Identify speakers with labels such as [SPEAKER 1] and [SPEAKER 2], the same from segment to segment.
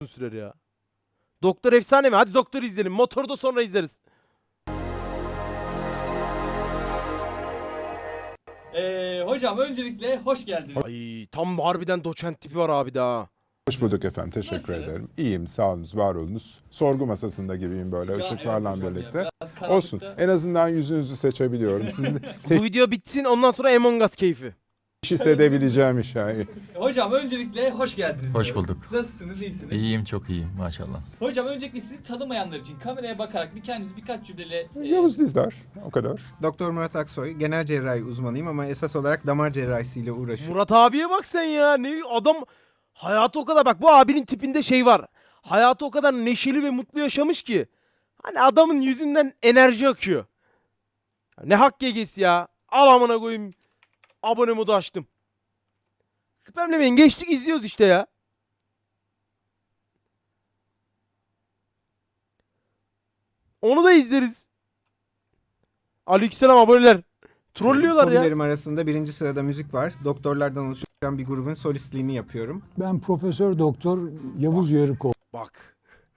[SPEAKER 1] sürer ya. Doktor efsane mi? Hadi Doktor izleyelim. Motoru da sonra izleriz.
[SPEAKER 2] Hocam öncelikle hoş geldiniz.
[SPEAKER 1] Ay tam harbiden doçent tipi var abi daha.
[SPEAKER 3] Hoş bulduk efendim. Teşekkür
[SPEAKER 2] Nasılsınız?
[SPEAKER 3] ederim. İyiyim. Sağ olunuz, var olunuz. Sorgu masasında gibiyim böyle ışıklarla birlikte. Olsun. En azından yüzünüzü seçebiliyorum. Siz
[SPEAKER 1] Bu video bitsin ondan sonra Among Us keyfi.
[SPEAKER 3] teşhis edebileceğim iş yani.
[SPEAKER 2] Hocam öncelikle hoş geldiniz.
[SPEAKER 4] Hoş
[SPEAKER 2] diyorum.
[SPEAKER 4] bulduk.
[SPEAKER 2] Nasılsınız, iyisiniz?
[SPEAKER 4] İyiyim, çok iyiyim maşallah.
[SPEAKER 2] Hocam öncelikle sizi tanımayanlar için kameraya bakarak bir kendinizi birkaç cümleyle...
[SPEAKER 3] Yavuz Dizdar. O kadar.
[SPEAKER 5] Doktor Murat Aksoy, genel cerrahi uzmanıyım ama esas olarak damar cerrahisiyle uğraşıyorum.
[SPEAKER 1] Murat abiye bak sen ya. Ne adam hayatı o kadar bak bu abinin tipinde şey var. Hayatı o kadar neşeli ve mutlu yaşamış ki. Hani adamın yüzünden enerji akıyor. Ne hak gegesi ya. Al amına koyayım. Abone modu açtım. Spamlemeyin geçtik izliyoruz işte ya. Onu da izleriz. Aleykümselam aboneler. Trollüyorlar ya.
[SPEAKER 5] Hobilerim arasında birinci sırada müzik var. Doktorlardan oluşan bir grubun solistliğini yapıyorum.
[SPEAKER 6] Ben Profesör Doktor Yavuz Yarıkoğlu.
[SPEAKER 1] Bak.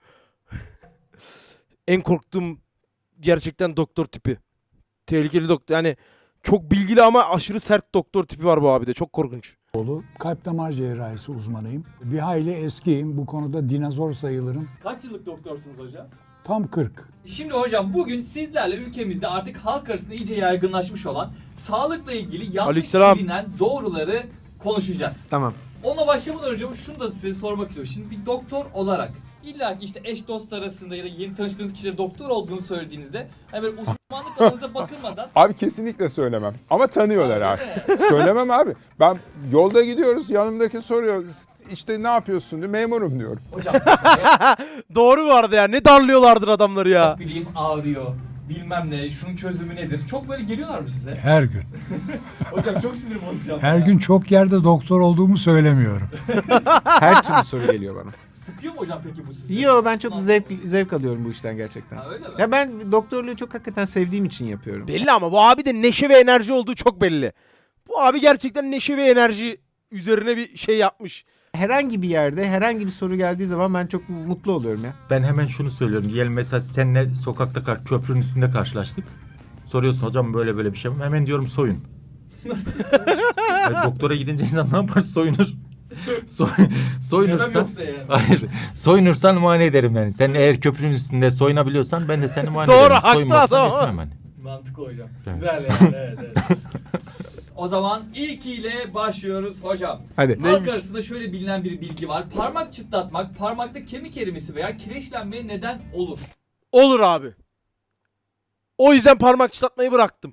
[SPEAKER 1] En korktuğum gerçekten doktor tipi. Tehlikeli doktor. Yani çok bilgili ama aşırı sert doktor tipi var bu abi de. Çok korkunç.
[SPEAKER 6] Kalp damar cerrahisi uzmanıyım. Bir hayli eskiyim. Bu konuda dinozor sayılırım.
[SPEAKER 2] Kaç yıllık doktorsunuz hocam?
[SPEAKER 6] Tam 40.
[SPEAKER 2] Şimdi hocam bugün sizlerle ülkemizde artık halk arasında iyice yaygınlaşmış olan sağlıkla ilgili yanlış
[SPEAKER 1] Aleykümselam.
[SPEAKER 2] bilinen doğruları konuşacağız.
[SPEAKER 5] Tamam.
[SPEAKER 2] Ona başlamadan önce şunu da size sormak istiyorum. Şimdi bir doktor olarak illa ki işte eş dost arasında ya da yeni tanıştığınız kişilere doktor olduğunu söylediğinizde hani böyle uzmanlık alanınıza bakılmadan
[SPEAKER 3] Abi kesinlikle söylemem. Ama tanıyorlar artık. Söylemem abi. Ben yolda gidiyoruz. Yanımdaki soruyor. İşte ne yapıyorsun diyor. Memurum diyorum.
[SPEAKER 2] hocam işte,
[SPEAKER 1] Doğru bu arada ya. Ne darlıyorlardır adamları ya.
[SPEAKER 2] bileyim ağrıyor bilmem ne şunun çözümü nedir? Çok böyle geliyorlar mı size?
[SPEAKER 6] Her gün.
[SPEAKER 2] Hocam çok sinir bozacağım.
[SPEAKER 6] Her
[SPEAKER 2] ya.
[SPEAKER 6] gün çok yerde doktor olduğumu söylemiyorum.
[SPEAKER 5] Her türlü soru geliyor bana.
[SPEAKER 2] Sıkıyor mu hocam peki bu sizi?
[SPEAKER 5] Yo, ben çok zevk alıyorum bu işten gerçekten.
[SPEAKER 2] Ha, öyle mi?
[SPEAKER 5] Ya ben doktorluğu çok hakikaten sevdiğim için yapıyorum.
[SPEAKER 1] Belli ama bu abi de neşe ve enerji olduğu çok belli. Bu abi gerçekten neşe ve enerji üzerine bir şey yapmış.
[SPEAKER 5] Herhangi bir yerde herhangi bir soru geldiği zaman ben çok mutlu oluyorum ya.
[SPEAKER 4] Ben hemen şunu söylüyorum. Diyelim mesela seninle sokakta köprünün üstünde karşılaştık. Soruyorsun hocam böyle böyle bir şey mi? Hemen diyorum soyun.
[SPEAKER 2] Nasıl?
[SPEAKER 4] Yani doktora gidince insan ne yapar? Soyunur.
[SPEAKER 2] Yemem
[SPEAKER 4] Soyunursan...
[SPEAKER 2] yoksa yani.
[SPEAKER 4] Hayır. Soyunursan muayene ederim yani. Sen eğer köprünün üstünde soyunabiliyorsan ben de seni muayene
[SPEAKER 1] Doğru,
[SPEAKER 4] ederim.
[SPEAKER 1] haklı
[SPEAKER 4] Soyunmazsan
[SPEAKER 1] adam ama.
[SPEAKER 4] etmem hani.
[SPEAKER 2] Mantıklı hocam.
[SPEAKER 4] Evet.
[SPEAKER 2] Güzel yani. Evet, evet. O zaman ilkiyle başlıyoruz hocam.
[SPEAKER 5] Hadi.
[SPEAKER 2] Halk arasında şöyle bilinen bir bilgi var. Parmak çıtlatmak parmakta kemik erimesi veya kireçlenmeye neden olur.
[SPEAKER 1] Olur abi. O yüzden parmak çıtlatmayı bıraktım.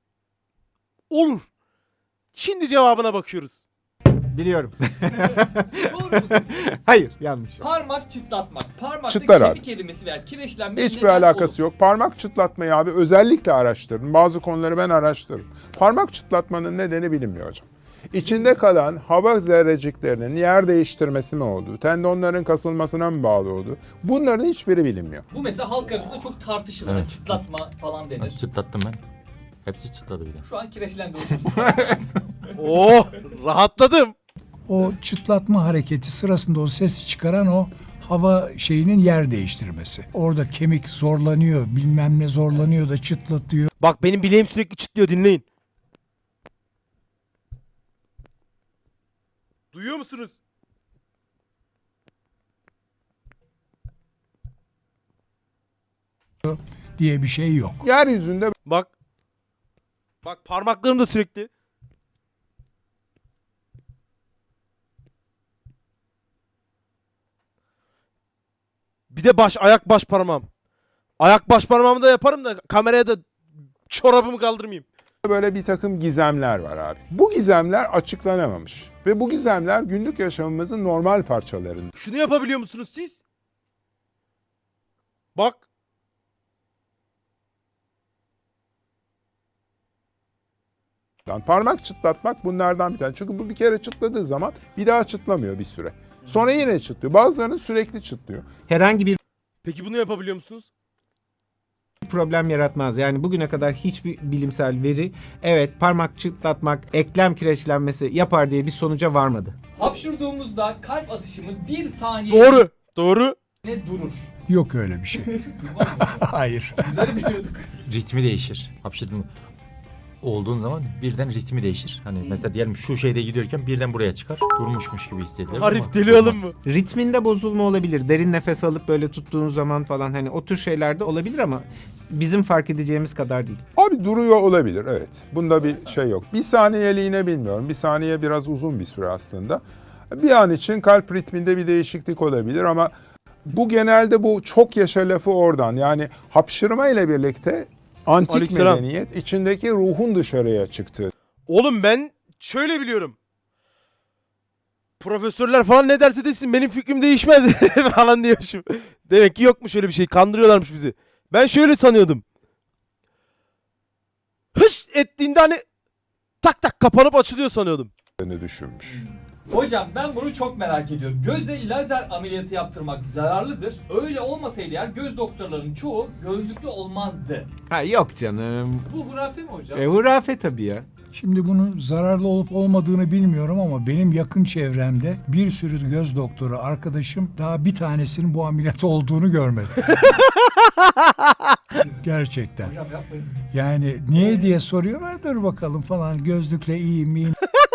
[SPEAKER 1] Olur. Şimdi cevabına bakıyoruz.
[SPEAKER 5] Biliyorum.
[SPEAKER 2] Doğru mu?
[SPEAKER 5] Hayır, yanlış.
[SPEAKER 2] Parmak çıtlatmak. Parmakta
[SPEAKER 3] Çıtlar abi.
[SPEAKER 2] kemik erimesi veya kireçlenmeye
[SPEAKER 3] Hiçbir
[SPEAKER 2] neden
[SPEAKER 3] alakası
[SPEAKER 2] olur.
[SPEAKER 3] yok. Parmak çıtlatmayı abi özellikle araştırın. Bazı konuları ben araştırırım. Parmak çıtlatmanın nedeni bilinmiyor hocam. İçinde kalan hava zerreciklerinin yer değiştirmesi mi olduğu, tendonların kasılmasına mı bağlı olduğu, bunların hiçbiri bilinmiyor.
[SPEAKER 2] Bu mesela halk arasında çok tartışılır.
[SPEAKER 4] Evet.
[SPEAKER 2] Çıtlatma falan denir.
[SPEAKER 4] Çıtlattım ben. Hepsi çıtladı bir de.
[SPEAKER 2] Şu an kireçlendi hocam.
[SPEAKER 1] Oh rahatladım.
[SPEAKER 6] O çıtlatma hareketi sırasında o sesi çıkaran o hava şeyinin yer değiştirmesi. Orada kemik zorlanıyor, bilmem ne zorlanıyor da çıtlatıyor.
[SPEAKER 1] Bak benim bileğim sürekli çıtlıyor dinleyin. Duyuyor musunuz?
[SPEAKER 6] Diye bir şey yok.
[SPEAKER 3] Yeryüzünde
[SPEAKER 1] Bak. Bak parmaklarım da sürekli. Bir de ayak baş parmağım. Ayak baş parmağımı da yaparım da kameraya da çorabımı kaldırmayayım.
[SPEAKER 3] böyle bir takım gizemler var abi. Bu gizemler açıklanamamış. Ve bu gizemler günlük yaşamımızın normal parçalarında.
[SPEAKER 1] Şunu yapabiliyor musunuz siz? Bak.
[SPEAKER 3] Parmak çıtlatmak bunlardan bir tane. Çünkü bu bir kere çıtladığı zaman bir daha çıtlamıyor bir süre. Sonra yine çıtlıyor. Bazılarının sürekli çıtlıyor.
[SPEAKER 5] Herhangi bir
[SPEAKER 1] Peki bunu yapabiliyor musunuz?
[SPEAKER 5] problem yaratmaz. Yani bugüne kadar hiçbir bilimsel veri evet parmak çıtlatmak eklem kireçlenmesi yapar diye bir sonuca varmadı.
[SPEAKER 2] Hapşurduğumuzda kalp atışımız 1 saniye
[SPEAKER 1] Doğru. Doğru.
[SPEAKER 2] ne durur.
[SPEAKER 6] Yok öyle bir şey.
[SPEAKER 2] Durmaz mı?
[SPEAKER 6] Hayır.
[SPEAKER 2] Bizleri biliyorduk.
[SPEAKER 4] Ritmi değişir. Hapşırdın olduğun zaman birden ritmi değişir. Hani mesela diyelim şu şeyde gidiyorken birden buraya çıkar. Durmuşmuş gibi hissedilir.
[SPEAKER 1] Arif
[SPEAKER 4] ama
[SPEAKER 1] deli oğlum
[SPEAKER 4] durmaz.
[SPEAKER 1] bu.
[SPEAKER 5] Ritminde bozulma olabilir. Derin nefes alıp böyle tuttuğun zaman falan hani o tür şeyler de olabilir ama bizim fark edeceğimiz kadar değil.
[SPEAKER 3] Abi duruyor olabilir, evet. Bunda bir şey yok. Bir saniyeliğine bilmiyorum. Bir saniye biraz uzun bir süre aslında. Bir an için kalp ritminde bir değişiklik olabilir ama bu genelde bu çok yaşa lafı oradan. Yani hapşırma ile birlikte antik
[SPEAKER 1] Aleykümselam.
[SPEAKER 3] medeniyet içindeki ruhun dışarıya çıktığı.
[SPEAKER 1] Oğlum ben şöyle biliyorum. Profesörler falan ne derse desin benim fikrim değişmez falan diyormuşum. Demek ki yokmuş öyle bir şey. Kandırıyorlarmış bizi. Ben şöyle sanıyordum. Hış ettiğinde hani tak tak kapanıp açılıyor sanıyordum.
[SPEAKER 3] Düşünmüş.
[SPEAKER 2] Hocam ben bunu çok merak ediyorum. Gözle lazer ameliyatı yaptırmak zararlıdır. Öyle olmasaydı eğer göz doktorlarının çoğu gözlüklü olmazdı.
[SPEAKER 5] Ha yok canım.
[SPEAKER 2] Bu hurafe mi hocam?
[SPEAKER 5] Hurafe tabii ya.
[SPEAKER 6] Şimdi bunun zararlı olup olmadığını bilmiyorum ama benim yakın çevremde bir sürü göz doktoru arkadaşım daha bir tanesinin bu ameliyat olduğunu görmedi. Gerçekten.
[SPEAKER 2] Hocam yapmayın.
[SPEAKER 6] Yani niye diye soruyorlar, dur bakalım falan, gözlükle iyi miyim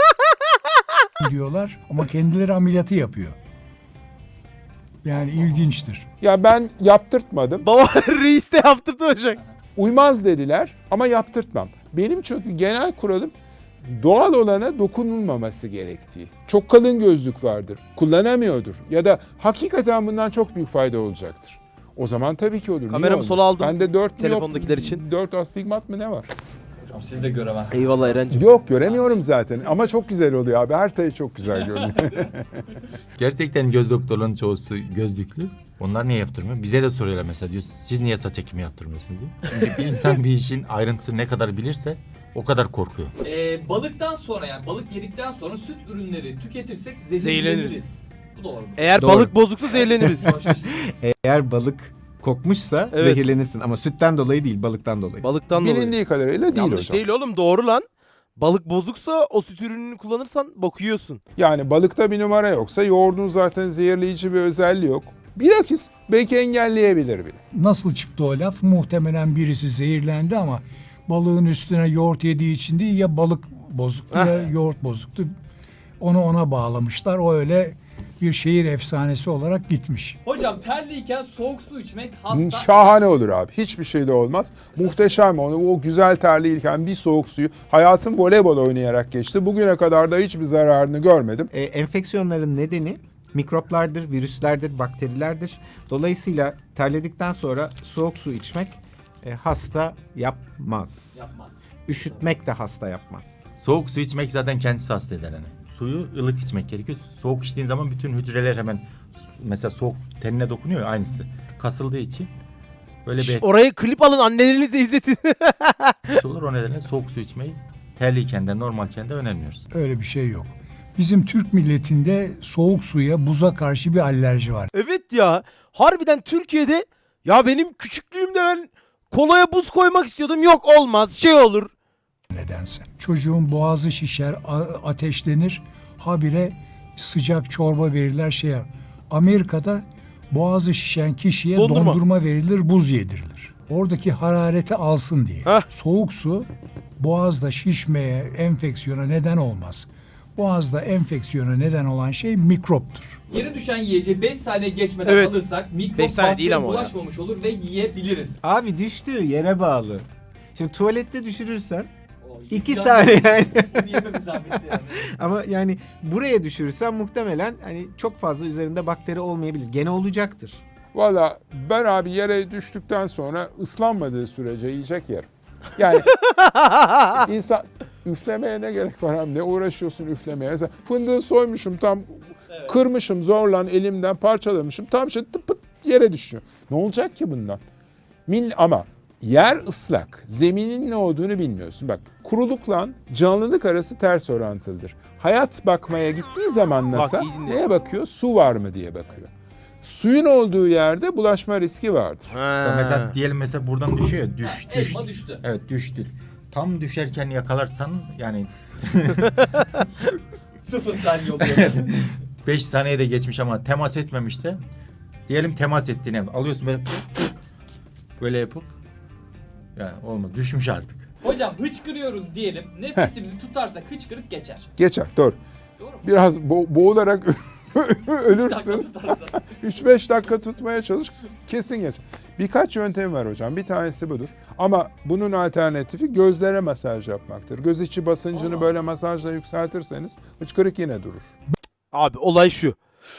[SPEAKER 6] diyorlar ama kendileri ameliyatı yapıyor. Yani ilginçtir.
[SPEAKER 3] Ya ben yaptırtmadım.
[SPEAKER 1] Baba reis de yaptırdı hocam.
[SPEAKER 3] Uymaz dediler ama yaptırtmam. Benim çünkü genel kuralım doğal olana dokunulmaması gerektiği. Çok kalın gözlük vardır, kullanamıyordur ya da hakikaten bundan çok büyük fayda olacaktır. O zaman tabii ki olur. Niye
[SPEAKER 1] Kameramı
[SPEAKER 3] olmasın?
[SPEAKER 1] sola aldım.
[SPEAKER 3] Bende 4
[SPEAKER 1] Telefondakiler için.
[SPEAKER 3] 4 astigmat mı ne var?
[SPEAKER 2] Hocam siz de göremezsiniz.
[SPEAKER 1] Eyvallah Eren'cim.
[SPEAKER 3] Yok göremiyorum zaten ama çok güzel oluyor abi. Her tayı çok güzel görünüyor.
[SPEAKER 4] Gerçekten göz doktorlarının çoğusu gözlüklü. Onlar niye yaptırmıyor? Bize de soruyorlar mesela, diyor siz niye saç ekimi yaptırmıyorsunuz diye. Çünkü bir insan bir işin ayrıntısını ne kadar bilirse o kadar korkuyor.
[SPEAKER 2] Balıktan sonra yani balık yedikten sonra süt ürünleri tüketirsek zehirleniriz.
[SPEAKER 1] Zehirleniriz.
[SPEAKER 2] Bu doğru mu?
[SPEAKER 1] Eğer
[SPEAKER 5] Doğru.
[SPEAKER 1] balık bozuksa zehirleniriz.
[SPEAKER 5] Eğer balık kokmuşsa
[SPEAKER 1] Evet.
[SPEAKER 5] zehirlenirsin ama sütten dolayı değil, balıktan dolayı.
[SPEAKER 1] Balıktan dolayı.
[SPEAKER 3] Bilindiği kadarıyla değil
[SPEAKER 1] Yanlış
[SPEAKER 3] hocam.
[SPEAKER 1] değil oğlum, doğru lan. Balık bozuksa o süt ürününü kullanırsan bok yiyorsun.
[SPEAKER 3] Yani balıkta bir numara yoksa yoğurdun zaten zehirleyici bir özelliği yok. Bilakis belki engelleyebilir bile.
[SPEAKER 6] Nasıl çıktı o laf? Muhtemelen birisi zehirlendi ama balığın üstüne yoğurt yediği için değil, ya balık bozuktu ya yoğurt bozuktu. Onu ona bağlamışlar. O öyle bir şehir efsanesi olarak gitmiş.
[SPEAKER 2] Hocam terliyken soğuk su içmek hasta.
[SPEAKER 3] Şahane olur abi. Hiçbir şey de olmaz. Muhteşem onu. O güzel terliyken bir soğuk suyu. Hayatım voleybol oynayarak geçti. Bugüne kadar da hiçbir zararını görmedim.
[SPEAKER 5] Enfeksiyonların nedeni mikroplardır, virüslerdir, bakterilerdir. Dolayısıyla terledikten sonra soğuk su içmek hasta yapmaz.
[SPEAKER 2] Yapmaz.
[SPEAKER 5] Üşütmek de hasta yapmaz.
[SPEAKER 4] Soğuk su içmek zaten kendisi hasta eder hani. Suyu ılık içmek gerekiyor. Soğuk içtiğin zaman bütün hücreler hemen mesela soğuk tenine dokunuyor ya, aynısı. Kasıldığı için böyle bir etkisi
[SPEAKER 1] Orayı klip alın, annelerinize izletin.
[SPEAKER 4] olur. O nedenle soğuk su içmeyi terliyken de normalken de önermiyoruz.
[SPEAKER 6] Öyle bir şey yok. Bizim Türk milletinde soğuk suya, buza karşı bir alerji var.
[SPEAKER 1] Evet ya. Harbiden Türkiye'de ya benim küçüklüğümde ben kolaya buz koymak istiyordum. Yok olmaz, şey olur.
[SPEAKER 6] Nedense. Çocuğun boğazı şişer, ateşlenir. Habire sıcak çorba verirler şey yap. Amerika'da boğazı şişen kişiye
[SPEAKER 1] Dondurma.
[SPEAKER 6] dondurma verilir, buz yedirilir. Oradaki harareti alsın diye.
[SPEAKER 1] Heh.
[SPEAKER 6] Soğuk su boğazda şişmeye, enfeksiyona neden olmaz. Boğazda enfeksiyona neden olan şey mikroptur.
[SPEAKER 2] Yere düşen yiyeceği 5 saniye geçmeden
[SPEAKER 1] Evet.
[SPEAKER 2] alırsak mikrop
[SPEAKER 1] 5 saniye değil
[SPEAKER 2] bakteri
[SPEAKER 1] ama o ya.
[SPEAKER 2] bulaşmamış olur ve yiyebiliriz.
[SPEAKER 5] Abi düştüğü yere bağlı. Şimdi tuvalette düşürürsen
[SPEAKER 2] O
[SPEAKER 5] 2
[SPEAKER 2] imkanı-
[SPEAKER 5] saniye yani.
[SPEAKER 2] Yememiz zahmetli yani.
[SPEAKER 5] Ama yani buraya düşürürsen muhtemelen hani çok fazla üzerinde bakteri olmayabilir. Gene olacaktır.
[SPEAKER 3] Valla ben abi yere düştükten sonra ıslanmadığı sürece yiyecek yerim. Yani insan üflemeye ne gerek var abi? Ne uğraşıyorsun üflemeye? Mesela fındığı soymuşum tam kırmışım zorlan elimden parçalamışım. Tam işte tıp pıt yere düşüyor. Ne olacak ki bundan? Ama yer ıslak. Zeminin ne olduğunu bilmiyorsun. Bak kurulukla canlılık arası ters orantılıdır. Hayat bakmaya gittiği zaman NASA
[SPEAKER 1] iyi dinle.
[SPEAKER 3] neye bakıyor? Su var mı diye bakıyor. Suyun olduğu yerde bulaşma riski vardır.
[SPEAKER 4] Mesela diyelim mesela buradan düşüyor ya, düş.
[SPEAKER 2] Elma düştü.
[SPEAKER 4] Evet düştü. Tam düşerken yakalarsan yani
[SPEAKER 2] 0 saniye oluyor.
[SPEAKER 4] 5 saniyede geçmiş ama temas etmemişse Diyelim temas ettiğini alıyorsun böyle yapıp yani olmaz. Düşmüş artık.
[SPEAKER 2] Hocam hıçkırıyoruz diyelim. Nefesimizi tutarsak hıçkırık geçer.
[SPEAKER 3] Geçer. Doğru.
[SPEAKER 2] Doğru mu?
[SPEAKER 3] Biraz boğularak
[SPEAKER 2] Dakika
[SPEAKER 3] ölürsün.
[SPEAKER 2] tutarsa.
[SPEAKER 3] 3-5 dakika tutmaya çalış. Kesin geçer. Birkaç yöntem var hocam. Bir tanesi budur. Ama bunun alternatifi gözlere masaj yapmaktır. Göz içi basıncını
[SPEAKER 2] Aa.
[SPEAKER 3] böyle masajla yükseltirseniz hıçkırık yine durur.
[SPEAKER 1] Abi olay şu.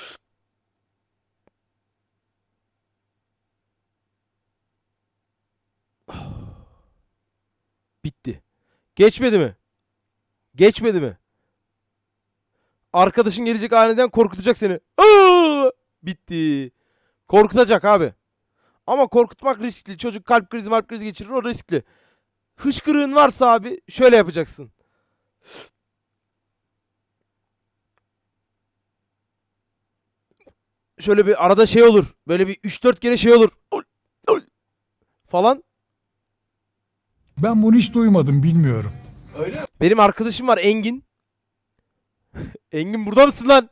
[SPEAKER 1] Bitti. Geçmedi mi? Geçmedi mi? Arkadaşın gelecek aniden korkutacak seni. Aa! Bitti. Korkutacak abi. Ama korkutmak riskli. Çocuk kalp krizi geçirir, o riskli. Hıçkırığın varsa abi şöyle yapacaksın. Şöyle bir arada şey olur. Böyle bir 3-4 kere şey olur. Falan.
[SPEAKER 6] Ben bunu hiç duymadım, bilmiyorum.
[SPEAKER 2] Öyle mi?
[SPEAKER 1] Benim arkadaşım var Engin. Engin burada mısın lan?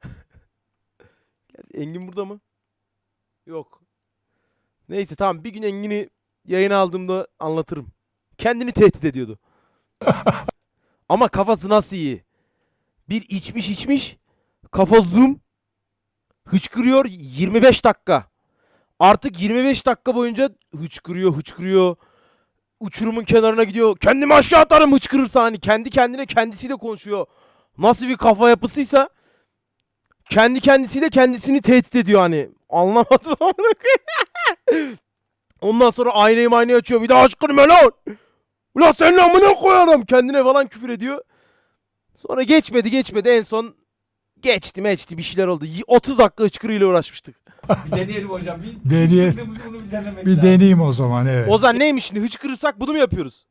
[SPEAKER 1] Engin burada mı? Yok. Neyse tamam, bir gün Engin'i yayına aldığımda anlatırım. Kendini tehdit ediyordu. Ama kafası nasıl iyi? Bir içmiş. Kafa zoom. Hıçkırıyor 25 dakika. Artık 25 dakika boyunca hıçkırıyor. Uçurumun kenarına gidiyor. Kendimi aşağı atarım hıçkırırsa, hani kendi kendine kendisiyle konuşuyor. Nasıl bir kafa yapısıysa kendi kendisiyle kendisini tehdit ediyor hani. Anlamadım amına koyayım. Ondan sonra aynayı açıyor. Bir daha hıçkırma lan. Ulan senin amına koyarım. Kendine falan küfür ediyor. Sonra geçmedi. En son geçti bir şeyler oldu. 30 dakika hıçkırıyla uğraşmıştık.
[SPEAKER 2] Bir deneyelim hocam. Bir
[SPEAKER 6] Deneye-
[SPEAKER 2] hıçkırdığımızı bunu bir denemek
[SPEAKER 6] Bir
[SPEAKER 2] lazım.
[SPEAKER 6] deneyeyim o zaman, evet.
[SPEAKER 1] Ozan neymiş şimdi? Hıçkırırsak bunu mu yapıyoruz?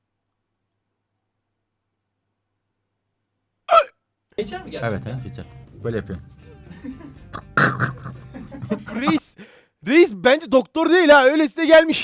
[SPEAKER 2] Geçer mi
[SPEAKER 4] Evet
[SPEAKER 2] gerçekten?
[SPEAKER 4] geçer. Böyle yapıyorum.
[SPEAKER 1] Reis bence doktor değil ha. Öylesine gelmiş.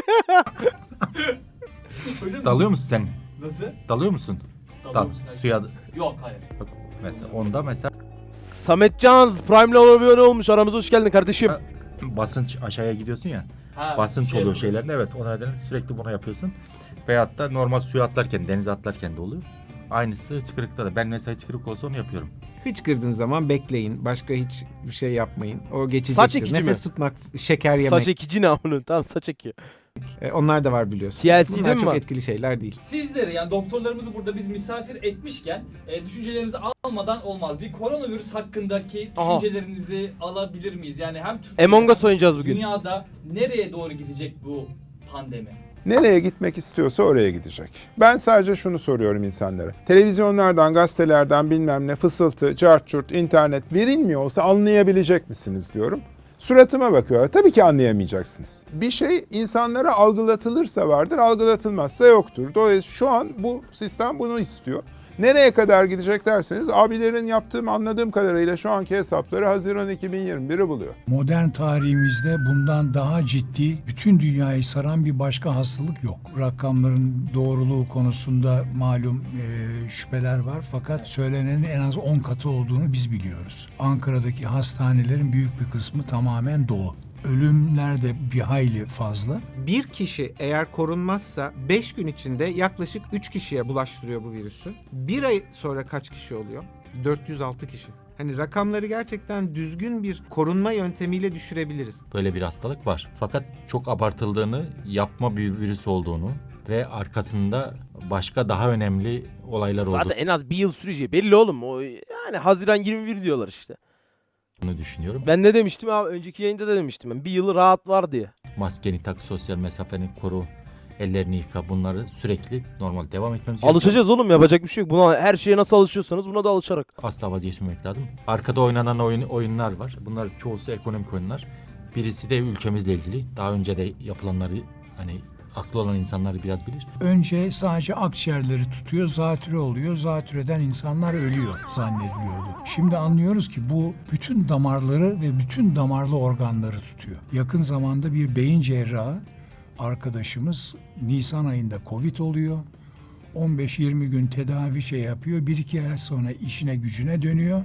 [SPEAKER 2] Hocam,
[SPEAKER 4] Dalıyor musun sen?
[SPEAKER 2] Nasıl?
[SPEAKER 4] Dalıyor musun?
[SPEAKER 2] Dalıyor
[SPEAKER 4] Dal.
[SPEAKER 2] musun?
[SPEAKER 4] Suya.
[SPEAKER 2] Yok hayır.
[SPEAKER 4] Bak, mesela onda mesela
[SPEAKER 1] Samet Canz Prime'le abone olmuş. Aramıza hoş geldin kardeşim.
[SPEAKER 4] Ha, basınç aşağıya gidiyorsun ya.
[SPEAKER 2] Ha,
[SPEAKER 4] Basınç
[SPEAKER 2] şey
[SPEAKER 4] oluyor
[SPEAKER 2] yapıyor.
[SPEAKER 4] şeylerin. Evet o nedenle sürekli bunu yapıyorsun. Veyahut da normal suya atlarken, denize atlarken de oluyor. Aynısı hıçkırıkta da. Ben mesela hıçkırık olsa onu yapıyorum.
[SPEAKER 5] Hıçkırdığın zaman bekleyin. Başka hiç bir şey yapmayın. O geçecektir.
[SPEAKER 1] Saç ekici
[SPEAKER 5] Nefes
[SPEAKER 1] mi?
[SPEAKER 5] tutmak, şeker yemek.
[SPEAKER 1] Saç ekici ne amına? Tamam, saç ekiyor.
[SPEAKER 5] Onlar da var biliyorsun.
[SPEAKER 1] TLC
[SPEAKER 5] Bunlar
[SPEAKER 1] değil mi
[SPEAKER 5] çok
[SPEAKER 1] var?
[SPEAKER 5] etkili şeyler değil.
[SPEAKER 2] Sizleri yani doktorlarımızı burada biz misafir etmişken düşüncelerinizi almadan olmaz. Bir koronavirüs hakkındaki
[SPEAKER 1] Aha.
[SPEAKER 2] düşüncelerinizi alabilir miyiz? Yani hem Türkiye'de
[SPEAKER 1] Among Us
[SPEAKER 2] hem
[SPEAKER 1] oynayacağız bugün.
[SPEAKER 2] dünyada nereye doğru gidecek bu pandemi?
[SPEAKER 3] Nereye gitmek istiyorsa oraya gidecek. Ben sadece şunu soruyorum insanlara. Televizyonlardan, gazetelerden bilmem ne fısıltı, cart curt, internet verilmiyor olsa anlayabilecek misiniz diyorum. Suratıma bakıyorlar. Tabii ki anlayamayacaksınız. Bir şey insanlara algılatılırsa vardır, algılatılmazsa yoktur. Dolayısıyla şu an bu sistem bunu istiyor. Nereye kadar gidecek derseniz abilerin yaptığım anladığım kadarıyla şu anki hesapları Haziran 2021'i buluyor.
[SPEAKER 6] Modern tarihimizde bundan daha ciddi, bütün dünyayı saran bir başka hastalık yok. Rakamların doğruluğu konusunda malum şüpheler var, fakat söylenenin en az 10 katı olduğunu biz biliyoruz. Ankara'daki hastanelerin büyük bir kısmı tamamen dolu. Ölümler de bir hayli fazla.
[SPEAKER 5] Bir kişi eğer korunmazsa 5 gün içinde yaklaşık 3 kişiye bulaştırıyor bu virüsü. Bir ay sonra kaç kişi oluyor? 406 kişi. Hani rakamları gerçekten düzgün bir korunma yöntemiyle düşürebiliriz.
[SPEAKER 4] Böyle bir hastalık var. Fakat çok abartıldığını, yapma bir virüs olduğunu ve arkasında başka daha önemli olaylar
[SPEAKER 1] Zaten
[SPEAKER 4] olduğunu
[SPEAKER 1] en az bir yıl süreceği belli oğlum. O yani Haziran 21 diyorlar işte.
[SPEAKER 4] düşünüyorum.
[SPEAKER 1] Ben ne demiştim abi? Önceki yayında da demiştim ben. Bir yıl rahat var diye.
[SPEAKER 4] Maskeni tak, sosyal mesafeni koru, ellerini yıka, bunları sürekli normal devam etmemiz gerekiyor.
[SPEAKER 1] Alışacağız oğlum, yapacak bir şey yok. Buna, her şeye nasıl alışıyorsanız buna da alışarak.
[SPEAKER 4] Asla vazgeçmemek lazım. Arkada oynanan oyunlar var. Bunlar çoğusu ekonomik oyunlar. Birisi de ülkemizle ilgili. Daha önce de yapılanları hani aklı olan insanlar biraz bilir.
[SPEAKER 6] Önce sadece akciğerleri tutuyor, zatürre oluyor. Zatürreden insanlar ölüyor zannediliyordu. Şimdi anlıyoruz ki bu bütün damarları ve bütün damarlı organları tutuyor. Yakın zamanda bir beyin cerrahı arkadaşımız Nisan ayında Covid oluyor. 15-20 gün tedavi yapıyor. 1-2 ay sonra işine gücüne dönüyor.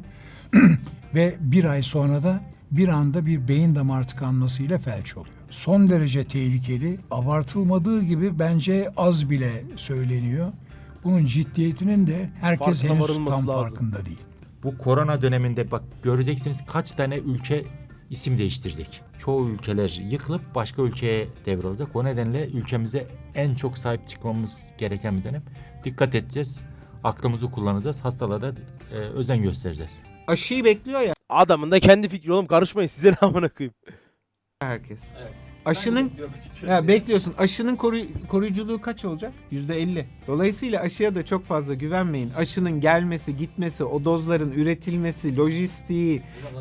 [SPEAKER 6] Ve bir ay sonra da bir anda bir beyin damar tıkanmasıyla felç oluyor. Son derece tehlikeli, abartılmadığı gibi bence az bile söyleniyor. Bunun ciddiyetinin de herkes
[SPEAKER 1] Farkına
[SPEAKER 6] henüz
[SPEAKER 1] varılması
[SPEAKER 6] tam
[SPEAKER 1] lazım.
[SPEAKER 6] farkında değil.
[SPEAKER 4] Bu korona döneminde bak göreceksiniz kaç tane ülke isim değiştirecek. Çoğu ülkeler yıkılıp başka ülkeye devrolacak. O nedenle ülkemize en çok sahip çıkmamız gereken bir dönem. Dikkat edeceğiz. Aklımızı kullanacağız. Hastalığa da özen göstereceğiz.
[SPEAKER 5] Aşıyı bekliyor ya
[SPEAKER 1] Adamın da kendi fikri oğlum, karışmayın size ne amına koyayım.
[SPEAKER 5] herkes.
[SPEAKER 2] Evet.
[SPEAKER 5] Aşının
[SPEAKER 2] Ben de bekliyorum açıkçası.
[SPEAKER 5] ya bekliyorsun. Aşının koruyuculuğu kaç olacak? %50. Dolayısıyla aşıya da çok fazla güvenmeyin. Aşının gelmesi, gitmesi, o dozların üretilmesi, lojistiği,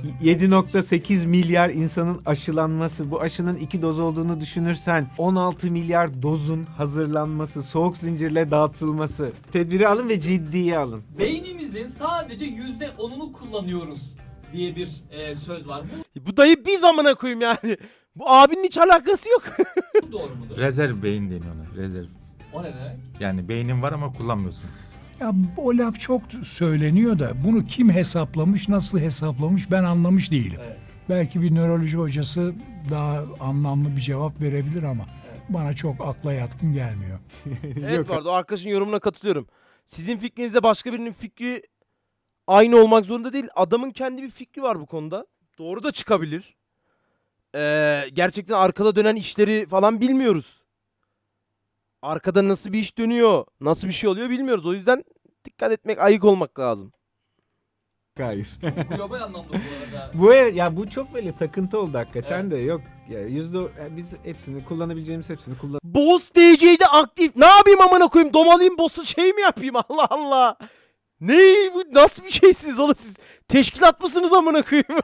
[SPEAKER 5] 7.8 milyar insanın aşılanması, bu aşının 2 doz olduğunu düşünürsen 16 milyar dozun hazırlanması, soğuk zincirle dağıtılması. Tedbiri alın ve ciddiye alın.
[SPEAKER 2] Beynimizin sadece %10'unu kullanıyoruz diye bir söz var.
[SPEAKER 1] Bu dayı biz amına koyayım yani. Bu abinin hiç alakası yok.
[SPEAKER 2] Bu doğru mudur?
[SPEAKER 4] Rezerv beyin deniyor ona. Rezerv.
[SPEAKER 2] O ne demek?
[SPEAKER 4] Yani beynin var ama kullanmıyorsun.
[SPEAKER 6] Ya o laf çok söyleniyor da bunu kim hesaplamış, nasıl hesaplamış ben anlamış değilim.
[SPEAKER 2] Evet.
[SPEAKER 6] Belki bir nöroloji hocası daha anlamlı bir cevap verebilir ama bana çok akla yatkın gelmiyor.
[SPEAKER 1] Evet, bu arada o arkadaşın yorumuna katılıyorum. Sizin fikrinizle başka birinin fikri aynı olmak zorunda değil. Adamın kendi bir fikri var bu konuda. Doğru da çıkabilir. Gerçekten arkada dönen işleri falan bilmiyoruz. Arkada nasıl bir iş dönüyor, nasıl bir şey oluyor bilmiyoruz. O yüzden dikkat etmek, ayık olmak lazım.
[SPEAKER 5] Hayır.
[SPEAKER 2] Global anlamda bu arada.
[SPEAKER 5] Ya bu çok böyle takıntı oldu hakikaten
[SPEAKER 2] Evet.
[SPEAKER 5] de yok. Ya biz hepsini kullanabileceğimiz hepsini kullan.
[SPEAKER 1] Boss DC'de aktif. Ne yapayım amına koyayım? Domalayayım boss'u şey mi yapayım? Allah Allah. Ne bu, nasıl bir şeysiniz oğlum siz? Teşkilat mısınız amına koyayım?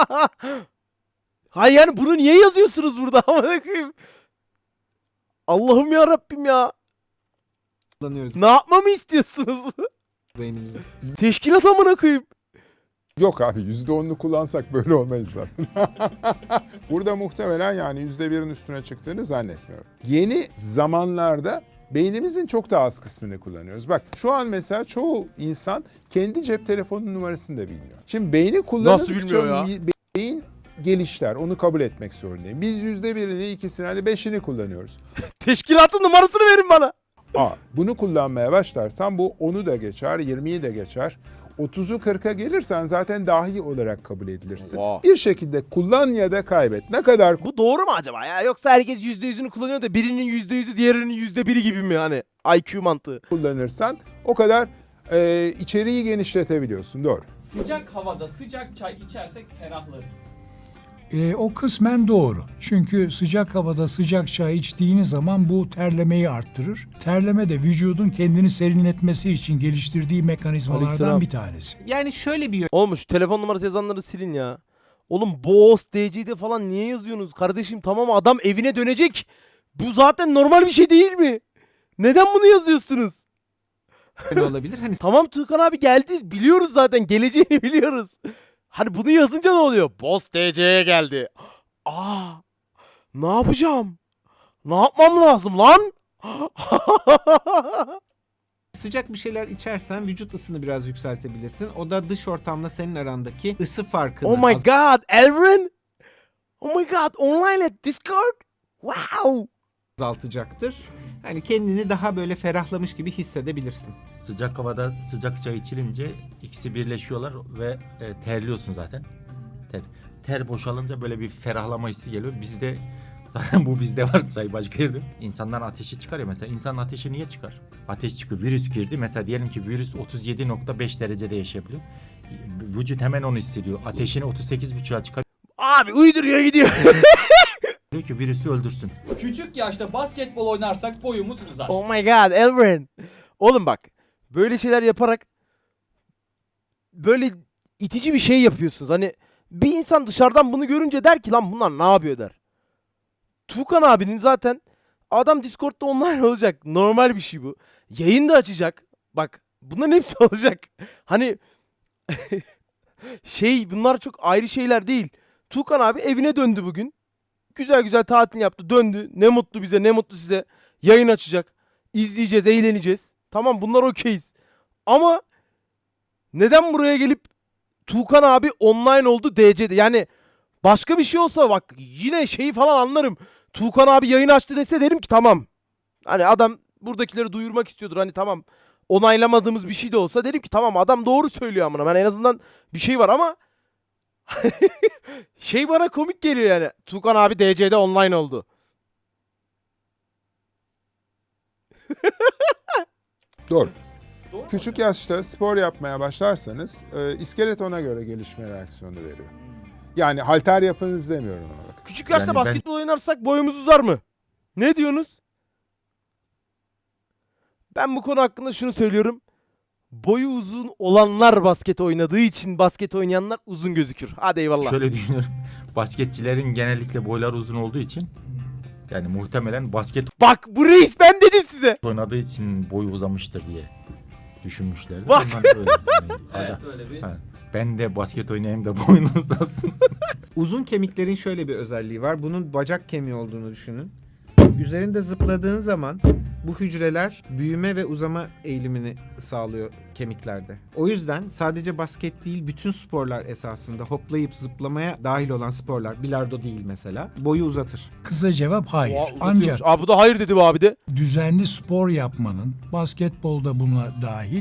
[SPEAKER 1] Hayır yani bunu niye yazıyorsunuz burada amına koyayım? Allah'ım ya Rabbim ya.
[SPEAKER 5] Kullanıyoruz
[SPEAKER 1] Ne yapmamı istiyorsunuz?
[SPEAKER 5] beynimizi.
[SPEAKER 1] Teşkilat amına koyayım.
[SPEAKER 3] Yok abi %10'unu kullansak böyle olmayız zaten. Burada muhtemelen yani %1'in üstüne çıktığını zannetmiyorum. Yeni zamanlarda beynimizin çok daha az kısmını kullanıyoruz. Bak şu an mesela çoğu insan kendi cep telefonunun numarasını da bilmiyor. Şimdi beyni kullandıkça
[SPEAKER 1] bilmiyor ya?
[SPEAKER 3] beyin gelişler. Onu kabul etmek zorundayım. Biz %1'ini, ikisini, hadi 5'ini kullanıyoruz.
[SPEAKER 1] Teşkilatın numarasını verin bana.
[SPEAKER 3] Bunu kullanmaya başlarsan bu 10'u da geçer, 20'yi de geçer. 30'u 40'a gelirsen zaten dahi olarak kabul edilirsin.
[SPEAKER 1] Wow.
[SPEAKER 3] Bir şekilde kullan ya da kaybet. Ne kadar
[SPEAKER 1] Bu doğru mu acaba ya? Yoksa herkes %100'ünü kullanıyor da birinin %100'ü diğerinin %1'i gibi mi hani? IQ mantığı.
[SPEAKER 3] kullanırsan o kadar içeriği genişletebiliyorsun. Doğru.
[SPEAKER 2] Sıcak havada sıcak çay içersek ferahlarız.
[SPEAKER 6] O kısmen doğru. Çünkü sıcak havada sıcak çay içtiğiniz zaman bu terlemeyi arttırır. Terleme de vücudun kendini serinletmesi için geliştirdiği mekanizmalardan
[SPEAKER 1] Aleykümselam.
[SPEAKER 6] bir tanesi.
[SPEAKER 5] Yani şöyle bir
[SPEAKER 1] Oğlum şu telefon numarası yazanları silin ya. Oğlum Boss DC'de falan niye yazıyorsunuz? Kardeşim tamam adam evine dönecek. Bu zaten normal bir şey değil mi? Neden bunu yazıyorsunuz?
[SPEAKER 5] yönü olabilir. Hani
[SPEAKER 1] Tamam Tuğkan abi geldi. Biliyoruz zaten. Geleceğini biliyoruz. Hani bunu yazınca ne oluyor? Boss DC'ye geldi. Aa, ne yapacağım? Ne yapmam lazım lan?
[SPEAKER 5] sıcak bir şeyler içersen vücut ısını biraz yükseltebilirsin. O da dış ortamla senin arandaki ısı farkını
[SPEAKER 1] Oh my god, Elvin. Oh my god, online at Discord. Wow.
[SPEAKER 5] azaltacaktır. Hani kendini daha böyle ferahlamış gibi hissedebilirsin.
[SPEAKER 4] Sıcak havada sıcak çay içilince ikisi birleşiyorlar ve terliyorsun zaten. Ter boşalınca böyle bir ferahlama hissi geliyor. Bizde zaten bu bizde var, çay başka yerde. İnsanların ateşi çıkar ya mesela. İnsanın ateşi niye çıkar? Ateş çıkıyor. Virüs girdi. Mesela diyelim ki virüs 37.5 derecede yaşayabiliyor. Vücut hemen onu hissediyor. Ateşini 38.5'a çıkarıyor
[SPEAKER 1] Abi uyduruyor gidiyor.
[SPEAKER 4] ki virüsü öldürsün.
[SPEAKER 2] Küçük yaşta basketbol oynarsak boyumuz uzar.
[SPEAKER 1] Oh my god, Elvin. Oğlum bak, böyle şeyler yaparak böyle itici bir şey yapıyorsunuz. Hani bir insan dışarıdan bunu görünce der ki lan bunlar ne yapıyor der. Tuğkan abinin zaten adam Discord'da online olacak. Normal bir şey bu. Yayın da açacak. Bak bunların hepsi olacak. Hani bunlar çok ayrı şeyler değil. Tuğkan abi evine döndü bugün. Güzel güzel tatil yaptı, döndü. Ne mutlu bize, ne mutlu size. Yayın açacak. İzleyeceğiz, eğleneceğiz. Tamam bunlar okeyiz. Ama neden buraya gelip Tuğkan abi online oldu DC'de. Yani başka bir şey olsa bak yine şeyi falan anlarım. Tuğkan abi yayın açtı dese derim ki tamam. Hani adam buradakileri duyurmak istiyordur. Hani tamam onaylamadığımız bir şey de olsa derim ki tamam adam doğru söylüyor amına. Ben en azından bir şey var ama şey bana komik geliyor yani. Tuğkan abi DC'de online oldu.
[SPEAKER 3] Doğru.
[SPEAKER 2] Doğru mu
[SPEAKER 3] Küçük
[SPEAKER 2] hocam?
[SPEAKER 3] yaşta spor yapmaya başlarsanız iskelet ona göre gelişme reaksiyonu veriyor. Yani halter yapınız demiyorum ona bak.
[SPEAKER 1] Küçük yaşta
[SPEAKER 4] Yani
[SPEAKER 1] basketbol oynarsak boyumuz uzar mı? Ne diyorsunuz? Ben bu konu hakkında şunu söylüyorum. Boyu uzun olanlar basket oynadığı için basket oynayanlar uzun gözükür. Hadi eyvallah.
[SPEAKER 4] Şöyle düşünüyorum. Basketçilerin genellikle boyları uzun olduğu için yani muhtemelen basket
[SPEAKER 1] Bak bu reis ben dedim size.
[SPEAKER 4] oynadığı için boyu uzamıştır diye düşünmüşler.
[SPEAKER 1] Bak.
[SPEAKER 4] Ondan öyle. Yani,
[SPEAKER 2] Evet öyle bir.
[SPEAKER 4] ha, ben de basket oynayayım da boyun uzasın.
[SPEAKER 5] Uzun kemiklerin şöyle bir özelliği var. Bunun bacak kemiği olduğunu düşünün. Üzerinde zıpladığın zaman bu hücreler büyüme ve uzama eğilimini sağlıyor kemiklerde. O yüzden sadece basket değil bütün sporlar esasında hoplayıp zıplamaya dahil olan sporlar, bilardo değil mesela, boyu uzatır.
[SPEAKER 6] Kısa cevap hayır.
[SPEAKER 1] Oha, uzatıyormuş.
[SPEAKER 6] Ancak
[SPEAKER 1] Abi bu da hayır dedi bu abi de.
[SPEAKER 6] düzenli spor yapmanın, basketbolda buna dahil,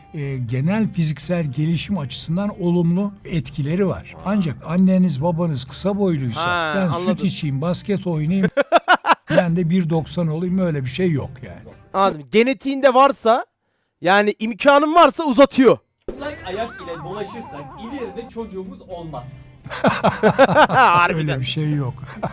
[SPEAKER 6] genel fiziksel gelişim açısından olumlu etkileri var. Ancak anneniz babanız kısa boyluysa
[SPEAKER 1] Ha,
[SPEAKER 6] ben
[SPEAKER 1] anladım.
[SPEAKER 6] süt içeyim, basket oynayayım, ben de 1.90 olayım, öyle bir şey yok yani.
[SPEAKER 1] Anladım. Genetiğinde varsa yani imkanın varsa uzatıyor.
[SPEAKER 2] Çıplak ayak ile dolaşırsak ileride çocuğumuz olmaz.
[SPEAKER 6] Öyle bir şey yok.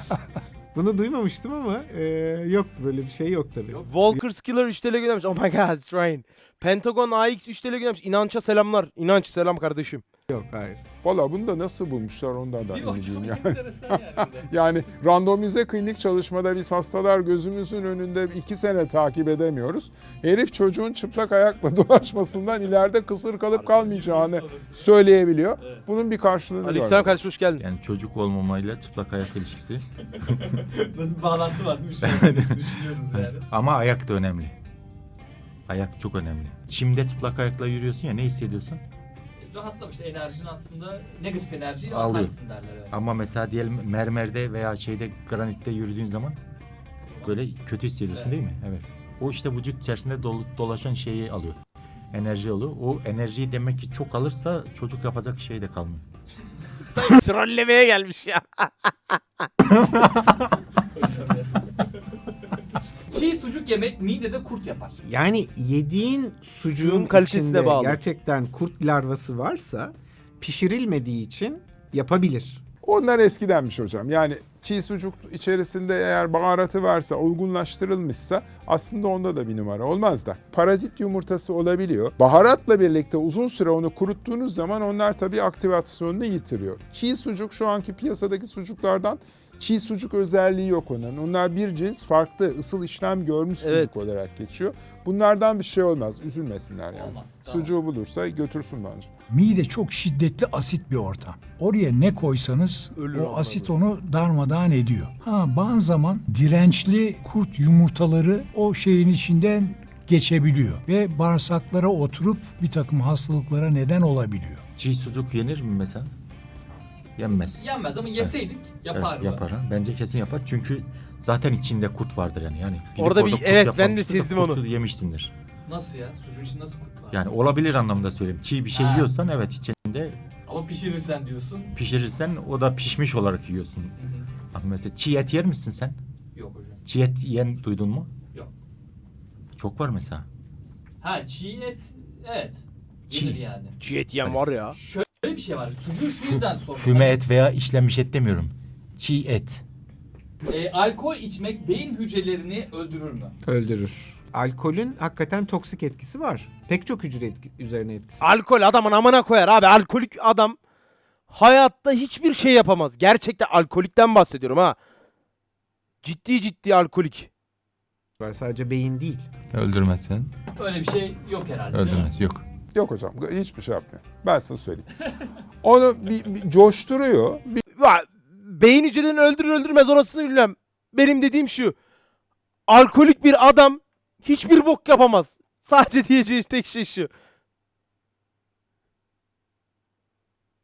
[SPEAKER 5] Bunu duymamıştım ama yok, böyle bir şey yok tabii.
[SPEAKER 1] Walker Skiller 3 TL göndermiş. Oh my god it's rain. Pentagon AX 3 TL göndermiş. İnanç'a selamlar. İnanç selam kardeşim.
[SPEAKER 5] Yok, hayır.
[SPEAKER 3] Valla bunu da nasıl bulmuşlar ondan da
[SPEAKER 2] Değil mi
[SPEAKER 3] emin
[SPEAKER 2] hocam?
[SPEAKER 3] değilim yani.
[SPEAKER 2] Enteresan yani. bir de.
[SPEAKER 3] Yani randomize klinik çalışmada biz hastalar gözümüzün önünde 2 sene takip edemiyoruz. Herif çocuğun çıplak ayakla dolaşmasından ileride kısır kalıp kalmayacağını söyleyebiliyor. Bunun bir karşılığını
[SPEAKER 1] Aleykümselam
[SPEAKER 3] görmedim.
[SPEAKER 1] kardeşim hoş geldin.
[SPEAKER 4] Yani çocuk olmamayla çıplak ayak ilişkisi.
[SPEAKER 2] Nasıl bir bağlantı var değil mi? Şu an düşünüyoruz yani.
[SPEAKER 4] Ama ayak da önemli. Ayak çok önemli. Çimde çıplak ayakla yürüyorsun ya, ne hissediyorsun?
[SPEAKER 2] Rahatlamış enerjin aslında negatif enerjiyi
[SPEAKER 4] Alıyor.
[SPEAKER 2] atarsın derler. Evet.
[SPEAKER 4] Ama mesela diyelim mermerde veya şeyde granitte yürüdüğün zaman böyle kötü hissediyorsun,
[SPEAKER 2] Evet.
[SPEAKER 4] değil mi? Evet. O işte vücut içerisinde dolaşan şeyi alıyor. Enerji alıyor. O enerjiyi demek ki çok alırsa çocuk yapacak şey de kalmıyor.
[SPEAKER 1] Trollemeye gelmiş ya.
[SPEAKER 2] Çiğ sucuk yemek midede kurt yapar.
[SPEAKER 5] Yani yediğin sucuğun
[SPEAKER 1] Sucuğun kalitesine
[SPEAKER 5] içinde
[SPEAKER 1] bağlı.
[SPEAKER 5] gerçekten kurt larvası varsa pişirilmediği için yapabilir.
[SPEAKER 3] Onlar eskidenmiş hocam. Yani çiğ sucuk içerisinde eğer baharatı varsa, olgunlaştırılmışsa aslında onda da bir numara olmaz da. Parazit yumurtası olabiliyor. Baharatla birlikte uzun süre onu kuruttuğunuz zaman onlar tabii aktivasyonunu yitiriyor. Çiğ sucuk şu anki piyasadaki sucuklardan çiğ sucuk özelliği yok onun. Onlar bir cins farklı ısıl işlem görmüş sucuk
[SPEAKER 1] Evet.
[SPEAKER 3] olarak geçiyor. Bunlardan bir şey olmaz. Üzülmesinler yani.
[SPEAKER 2] Olmaz, tamam.
[SPEAKER 3] Sucuğu bulursa götürsün bence.
[SPEAKER 6] Mide çok şiddetli asit bir ortam. Oraya ne koysanız
[SPEAKER 1] Ölür
[SPEAKER 6] o
[SPEAKER 1] onlar
[SPEAKER 6] asit onu darmadağın ediyor. Bazı zaman dirençli kurt yumurtaları o şeyin içinden geçebiliyor ve bağırsaklara oturup bir takım hastalıklara neden olabiliyor.
[SPEAKER 4] Çiğ sucuk yenir mi mesela? Yenmez.
[SPEAKER 2] Yenmez ama yeseydik yapar
[SPEAKER 4] Evet,
[SPEAKER 2] mı?
[SPEAKER 4] yapar ha. Bence kesin yapar. Çünkü zaten içinde kurt vardır yani. Gidip
[SPEAKER 1] Orada bir-
[SPEAKER 4] kurt
[SPEAKER 1] evet, ben de
[SPEAKER 4] yapmamıştır da
[SPEAKER 1] sezdim onu.
[SPEAKER 4] kurtu yemişsindir.
[SPEAKER 2] Nasıl ya? Sucuğun içinde nasıl kurt var?
[SPEAKER 4] Yani olabilir anlamda söyleyeyim. Çiğ bir şey
[SPEAKER 2] Ha.
[SPEAKER 4] yiyorsan evet içinde
[SPEAKER 2] Ama pişirirsen diyorsun.
[SPEAKER 4] pişirirsen o da pişmiş olarak yiyorsun.
[SPEAKER 2] Hı hı.
[SPEAKER 4] Ama mesela çiğ et yer misin sen?
[SPEAKER 2] Yok hocam.
[SPEAKER 4] Çiğ et yiyen duydun mu?
[SPEAKER 2] Yok.
[SPEAKER 4] Çok var mesela.
[SPEAKER 2] Ha çiğ et evet.
[SPEAKER 4] Çiğ.
[SPEAKER 2] Yenir yani.
[SPEAKER 1] Çiğ et yiyen var ya.
[SPEAKER 2] Şöyle bir şey var. Sucuğu şu yüzden sordum.
[SPEAKER 4] Füme et veya işlenmiş et demiyorum. Çiğ et.
[SPEAKER 2] Alkol içmek beyin hücrelerini öldürür mü?
[SPEAKER 5] Öldürür. Alkolün hakikaten toksik etkisi var. Pek çok hücre üzerine etkisi var.
[SPEAKER 1] Alkol adamın amına koyar abi. Alkolik adam hayatta hiçbir şey yapamaz. Gerçekten alkolikten bahsediyorum ha. Ciddi ciddi alkolik.
[SPEAKER 5] Sadece beyin değil.
[SPEAKER 4] Öldürmezsen
[SPEAKER 2] Öyle bir şey yok herhalde. değil mi?
[SPEAKER 4] öldürmez. Yok.
[SPEAKER 3] Yok hocam hiçbir şey yapmıyor. Ben sana söyleyeyim. Onu bir coşturuyor.
[SPEAKER 1] Beyin hücrelerini öldürür öldürmez orasını bilmem. Benim dediğim şu. Alkolik bir adam hiçbir bok yapamaz. Sadece diyeceği tek şey şu.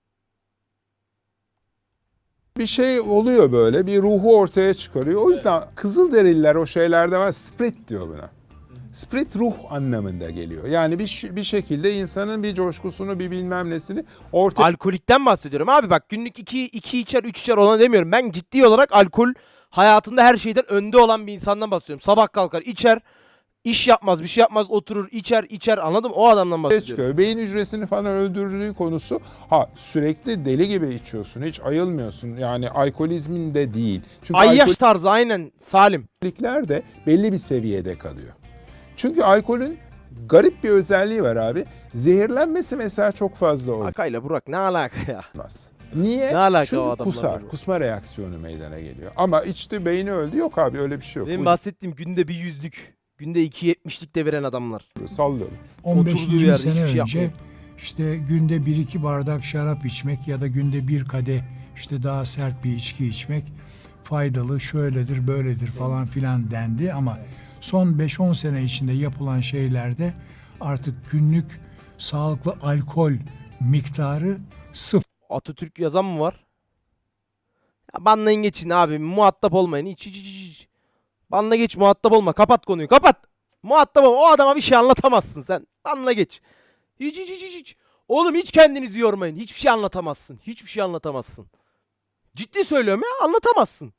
[SPEAKER 3] bir şey oluyor böyle. Bir ruhu ortaya çıkarıyor. O yüzden Kızılderililer o şeylerde var. Spirit diyor buna. Spirit ruh anlamında geliyor. Yani bir şekilde insanın bir coşkusunu, bir bilmem nesini ortaya
[SPEAKER 1] Alkolikten bahsediyorum abi, bak günlük 2 içer 3 içer ona demiyorum. Ben ciddi olarak alkol hayatında her şeyden önde olan bir insandan bahsediyorum. Sabah kalkar içer, iş yapmaz bir şey yapmaz, oturur içer anladım, o adamdan bahsediyorum.
[SPEAKER 3] çıkıyor. Beyin hücresini falan öldürdüğü konusu sürekli deli gibi içiyorsun. Hiç ayılmıyorsun. Yani alkolizmin de değil. Çünkü
[SPEAKER 1] Ayyaş tarzı aynen Salim.
[SPEAKER 3] alkolikler de belli bir seviyede kalıyor. Çünkü alkolün garip bir özelliği var abi. Zehirlenmesi mesela çok fazla olmaz.
[SPEAKER 1] Akayla Burak ne alaka ya?
[SPEAKER 3] Niye?
[SPEAKER 1] Ne alaka
[SPEAKER 3] Çünkü
[SPEAKER 1] o adamlarla
[SPEAKER 3] kusar.
[SPEAKER 1] bu?
[SPEAKER 3] Kusma reaksiyonu meydana geliyor. Ama içti beyni öldü. Yok abi öyle bir şey yok.
[SPEAKER 1] Benim bahsettiğim günde bir 100'lük, günde 2.70'lik de veren adamlar.
[SPEAKER 3] Sallıyorum.
[SPEAKER 1] 'Oturduğu
[SPEAKER 6] 15-20
[SPEAKER 1] yerde
[SPEAKER 6] sene
[SPEAKER 1] hiçbir şey
[SPEAKER 6] önce
[SPEAKER 1] yapmıyor.
[SPEAKER 6] işte günde 1-2 bardak şarap içmek ya da günde bir kadeh işte daha sert bir içki içmek faydalı, şöyledir, böyledir falan filan dendi ama son 5-10 sene içinde yapılan şeylerde artık günlük sağlıklı alkol miktarı sıfır.
[SPEAKER 1] Atatürk yazan mı var? Ya banlayın geçin abi, muhatap olmayın. İç. Banla geç, muhatap olma. Kapat konuyu, kapat. Muhatap olma. O adama bir şey anlatamazsın sen. Banla geç. Hiç. Oğlum hiç kendinizi yormayın. Hiçbir şey anlatamazsın. Hiçbir şey anlatamazsın. Ciddi söylüyorum ya, anlatamazsın.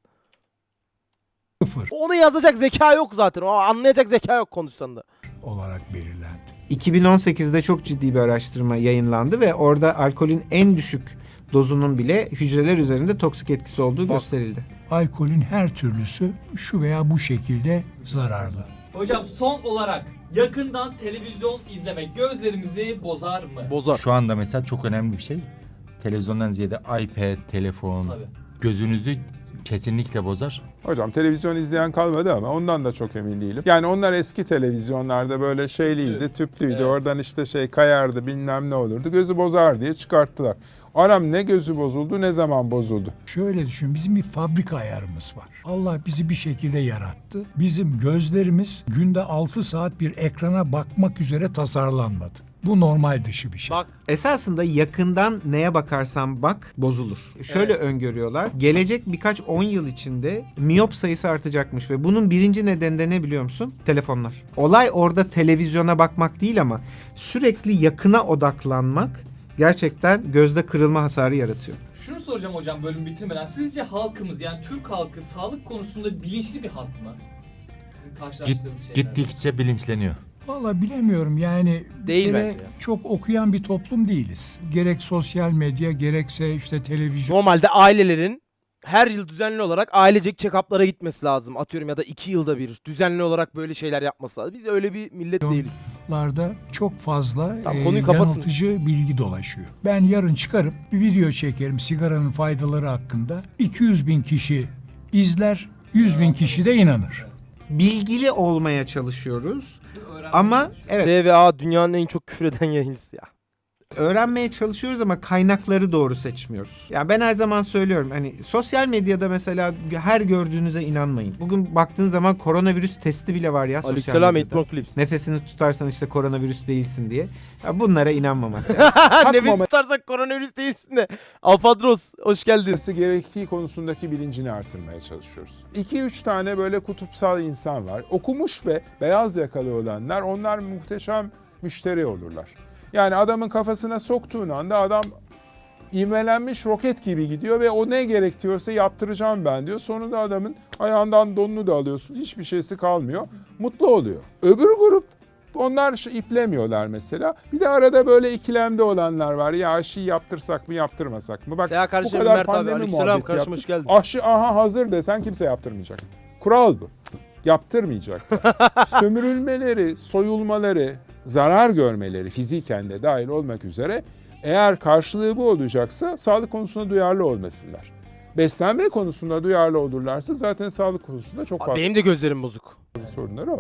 [SPEAKER 1] Onu yazacak zeka yok zaten. O anlayacak zeka yok konuşsan da.
[SPEAKER 6] olarak belirlendi.
[SPEAKER 5] 2018'de çok ciddi bir araştırma yayınlandı ve orada alkolün en düşük dozunun bile hücreler üzerinde toksik etkisi olduğu gösterildi.
[SPEAKER 6] Alkolün her türlüsü şu veya bu şekilde zararlı.
[SPEAKER 2] Hocam son olarak yakından televizyon izlemek gözlerimizi bozar mı?
[SPEAKER 1] Bozar.
[SPEAKER 4] Şu anda mesela çok önemli bir şey. Televizyondan ziyade iPad, telefon
[SPEAKER 2] Tabii.
[SPEAKER 4] gözünüzü kesinlikle bozar.
[SPEAKER 3] Hocam televizyon izleyen kalmadı ama ondan da çok emin değilim. Yani onlar eski televizyonlarda böyle şeyliydi, tüplüydü.
[SPEAKER 2] Evet.
[SPEAKER 3] Oradan işte kayardı, bilmem ne olurdu. Gözü bozar diye çıkarttılar. Anam ne gözü bozuldu, ne zaman bozuldu?
[SPEAKER 6] Şöyle düşün, bizim bir fabrika ayarımız var. Allah bizi bir şekilde yarattı. Bizim gözlerimiz günde 6 saat bir ekrana bakmak üzere tasarlanmadı. Bu normal dışı bir şey.
[SPEAKER 1] Bak
[SPEAKER 5] Esasında yakından neye bakarsan bak bozulur. Şöyle öngörüyorlar. Gelecek birkaç 10 yıl içinde miyop sayısı artacakmış ve bunun birinci nedeni de ne biliyor musun? Telefonlar. Olay orada televizyona bakmak değil ama sürekli yakına odaklanmak gerçekten gözde kırılma hasarı yaratıyor.
[SPEAKER 2] Şunu soracağım hocam bölüm bitirmeden. Sizce halkımız, yani Türk halkı sağlık konusunda bilinçli bir halk mı? Sizin karşılaştığınız şeyler.
[SPEAKER 4] Gittikçe bilinçleniyor.
[SPEAKER 6] Vallahi bilemiyorum yani
[SPEAKER 1] Değil
[SPEAKER 6] bir kere
[SPEAKER 1] bence ya.
[SPEAKER 6] çok okuyan bir toplum değiliz. Gerek sosyal medya gerekse işte televizyon.
[SPEAKER 1] normalde ailelerin her yıl düzenli olarak ailecek check-up'lara gitmesi lazım. Atıyorum ya da 2 yılda bir düzenli olarak böyle şeyler yapması lazım. Biz öyle bir millet değiliz.
[SPEAKER 6] larda çok fazla
[SPEAKER 1] Tamam, konuyu kapatın.
[SPEAKER 6] yanıltıcı bilgi dolaşıyor. Ben yarın çıkarıp bir video çekerim sigaranın faydaları hakkında. 200 bin kişi izler, 100 bin kişi de inanır.
[SPEAKER 5] Bilgili olmaya çalışıyoruz
[SPEAKER 2] Öğrenmeye
[SPEAKER 5] ama
[SPEAKER 2] çalışıyoruz.
[SPEAKER 5] evet
[SPEAKER 1] S ve A dünyanın en çok küfreden yayıncısı ya.
[SPEAKER 5] öğrenmeye çalışıyoruz ama kaynakları doğru seçmiyoruz. Ya ben her zaman söylüyorum hani sosyal medyada mesela her gördüğünüze inanmayın. Bugün baktığın zaman koronavirüs testi bile var ya sosyal
[SPEAKER 1] Aleykümselam
[SPEAKER 5] medyada.
[SPEAKER 1] Eğitmen Clips.
[SPEAKER 5] Nefesini tutarsan işte koronavirüs değilsin diye. Ya bunlara inanmamak lazım.
[SPEAKER 1] Nefes tutarsak koronavirüs değilsin de. Alfadros hoş geldin.
[SPEAKER 3] Yapılması gerektiği konusundaki bilincini artırmaya çalışıyoruz. 2-3 tane böyle kutupsal insan var. Okumuş ve beyaz yakalı olanlar, onlar muhteşem müşteri olurlar. Yani adamın kafasına soktuğun anda adam ivmelenmiş roket gibi gidiyor ve o ne gerekiyorsa yaptıracağım ben diyor. Sonunda adamın ayağından donunu da alıyorsun. Hiçbir şeysi kalmıyor. Mutlu oluyor. Öbür grup onlar iplemiyorlar mesela. Bir de arada böyle ikilemde olanlar var. Ya aşıyı yaptırsak mı yaptırmasak mı? Bak
[SPEAKER 1] Seha
[SPEAKER 3] bu
[SPEAKER 1] kardeşim
[SPEAKER 3] kadar
[SPEAKER 1] Mert abi.
[SPEAKER 3] pandemi
[SPEAKER 1] Aleykümselam
[SPEAKER 3] muhabbeti
[SPEAKER 1] karşıma
[SPEAKER 3] yaptık.
[SPEAKER 1] hoş geldin.
[SPEAKER 3] Aşı aha hazır desen kimse yaptırmayacak. Kural bu. Yaptırmayacak. Sömürülmeleri, soyulmaları, zarar görmeleri fiziken de dahil olmak üzere eğer karşılığı bu olacaksa sağlık konusunda duyarlı olmasınlar. Beslenme konusunda duyarlı olurlarsa zaten sağlık konusunda çok fazla
[SPEAKER 1] Benim de gözlerim bozuk.
[SPEAKER 3] sorunları